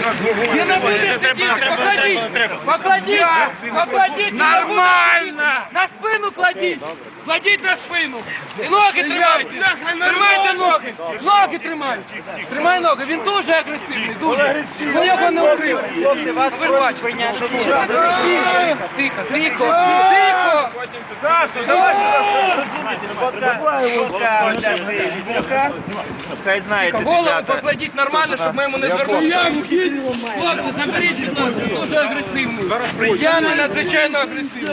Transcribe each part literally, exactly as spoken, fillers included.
Не на будете сидіти, покладіть, покладіть, покладіть. Нормально! На спину кладіть, кладіть на спину. І ноги тримайте, тримайте ноги, ноги тримайте. Тримай ноги, він дуже агресивний, дуже. Ви його не укрили. Ви бачите. Тихо, тихо, тихо. Саша, давай Хай знаєте, Голову покладіть нормально, щоб ми йому не звернули. Хлопці, заберіть, будь ласка, дуже агресивний. П'яний надзвичайно агресивний.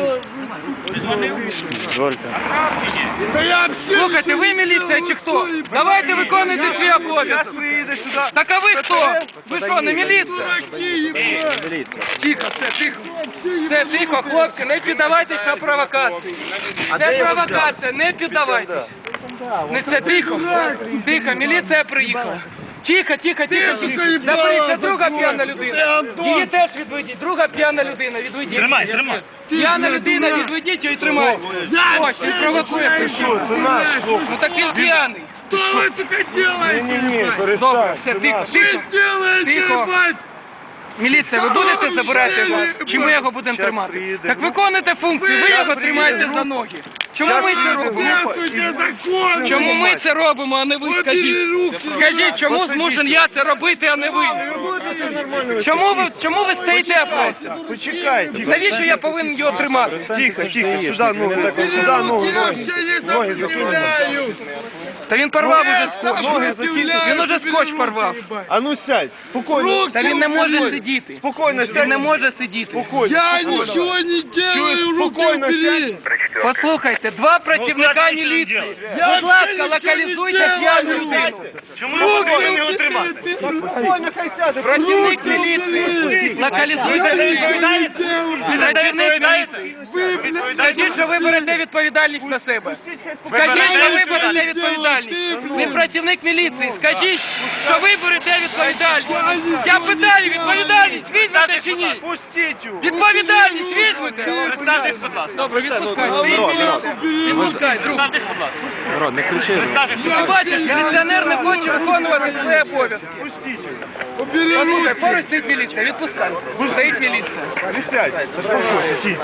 Слухайте, ви міліція чи хто? Давайте виконуйте свій обов'язок. Так а ви хто? Ви що, не міліція? Тихо, все, тихо. Все, тихо, хлопці, не піддавайтесь на провокації. Це провокація, не піддавайтесь. Не це, тихо, тихо, міліція приїхала. Тихо, тихо, тихо, тихо. Заберіть, це друга п'яна людина. Її теж відведіть, друга п'яна людина, відведіть. Тримай, тримай. П'яна людина, відведіть її і тримайте. Ось, він провокує прийшов. Ну так він п'яний. Что вы, сука, делаете? Добре, все, тихо, тихо. Тихо. Міліція, ви будете забирати його? Чи ми його будемо тримати? Так виконуйте функцію, ви його тримаєте за ноги. Чому ми це робимо? Действуйте закон! Чому ми це робимо, а не ви, скажіть? Скажіть, чому змушен я це робити, а не ви? Чому ви, чому ви стоїте просто? Почекай, тихо. Навіщо я повинен його тримати? Тихо, тихо, сюди ногу, сюди ногу, ноги. Ноги закинь. Та він порвав уже скотч. Ноги закинь. Він уже скотч порвав. А ну сядь, спокійно. Та він не може сидіти. Спокійно сядь. Він не може сидіти. Спокійно. Я ничего не делаю, руки Спокійно убери! сядь. Послухайте, два працівника міліції. Будь ласка, локалізуйте п'яну людину. Чому ви повинні його тримати? Спокійно, хай сяде. Працівник міліції. Локалізуйте людину. Працівник міліції. Скажіть, що ви берете відповідальність на себе. Скажіть, що ви берете відповідальність. Ви працівник міліції. Скажіть, що ви берете відповідальність. Я питаю, відповідальність візьмете чи ні? Пустіть його. Відповідальність візьмете? Представтесь, будь ласка. Добре, відпускай. Відпускай, друг. Представтесь, будь ласка. Народ, не кричи. Представтесь, будь Ти ласка. бачиш, міліціонер не хоче виконувати свої обов'язки. Пустіть. Послухай, поруч стоїть міліція, відпускай. Стоїть міліція. Присядь. Заспокойся, тихо.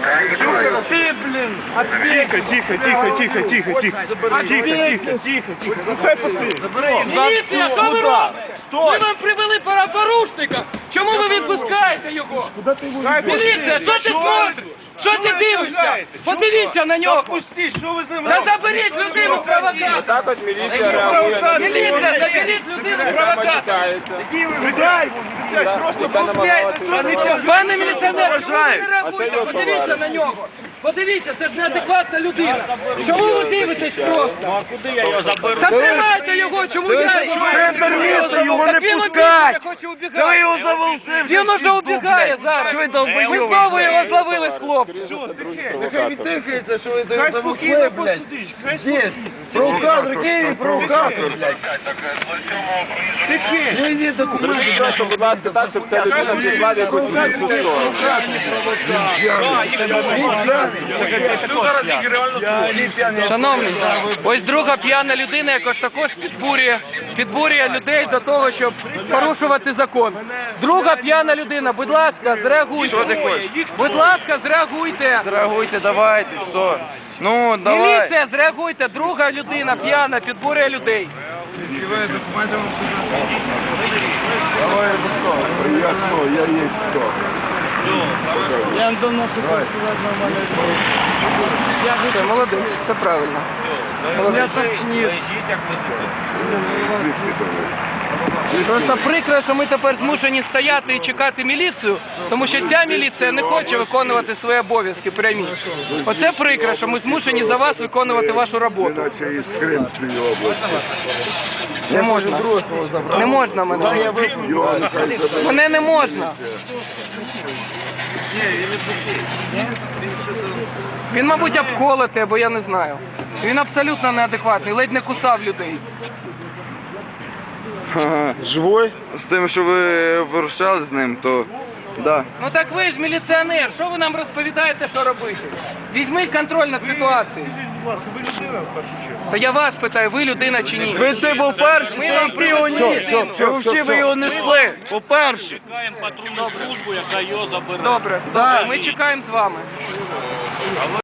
Ты, блин. Тихо, тихо, тихо, тихо, тихо, тихо. Тихо, тихо, тихо, тихо. Ну хай посидить. Міліція, що ви робите? Ми вам привели порушника. Чому ви відпускаєте його? Міліція, що ти смотриш? Що ти дивишся? Подивіться на нього. Пустіть, що ви з ним Та заберіть людину провокатора. Також міліція реагує на Міліція, заберіть людину провокатора. Присядь, присядь, просто пустіть. Пане міліціонер, чому ви не реагуєте? Подивіться на нього. Подивіться, це ж неадекватна людина. Чому ви дивитесь просто? Куди я його заберу? Та тримайте його, чому я? Центр міста, його не Так він пускай! убігає, хоче убігати. його заволшив! Він уже убігає зараз. Ви знову його зловили з хлопцем. Нехай віддихається, що ви Хай даєте спокійно посидить, хай спокійно. Провокатор, Київ, провокатор, блядь. Тихи. Не йди документи. Прошу, будь ласка, так, щоб ця людина пішла в якусь іншу сторону. Шановний, ось друга п'яна людина, якось також підбурює, підбурює людей до того, щоб порушувати закон. Друга п'яна людина, будь ласка, зреагуйте. Що ти хочеш? Будь ласка, зреагуйте. Реагуйте, давайте, все. Ну, давай. Міліція, зреагуйте. Друга людина п'яна підбурює людей. Я хто? Я є хто? Я давно хотів сказати нормально. Все, молодець, все правильно. Я так ні. Просто прикро, що ми тепер змушені стояти і чекати міліцію, тому що ця міліція не хоче виконувати свої обов'язки прямі. Оце прикро, що ми змушені за вас виконувати вашу роботу. Іначе із Кримської області. Не можна. Не можна мене. Його нехай заберуть. Мене не можна. Він, мабуть, обколотий, або я не знаю. Він абсолютно неадекватний, ледь не кусав людей. Живой? З тим, що ви порушали з ним, то да. Ну так ви ж міліціонер, що ви нам розповідаєте, що робити? Візьміть контроль над ситуацією. ласка, ви людина в першу чергу. Та я вас питаю, ви людина чи ні? Ви ти був перший, Ми ти вам йти його привезли ніс. людину. Ви взагалі ви його несли. По-перше. Чекаємо патрульну службу, яка його забере. Добре, добре, ми чекаємо з вами.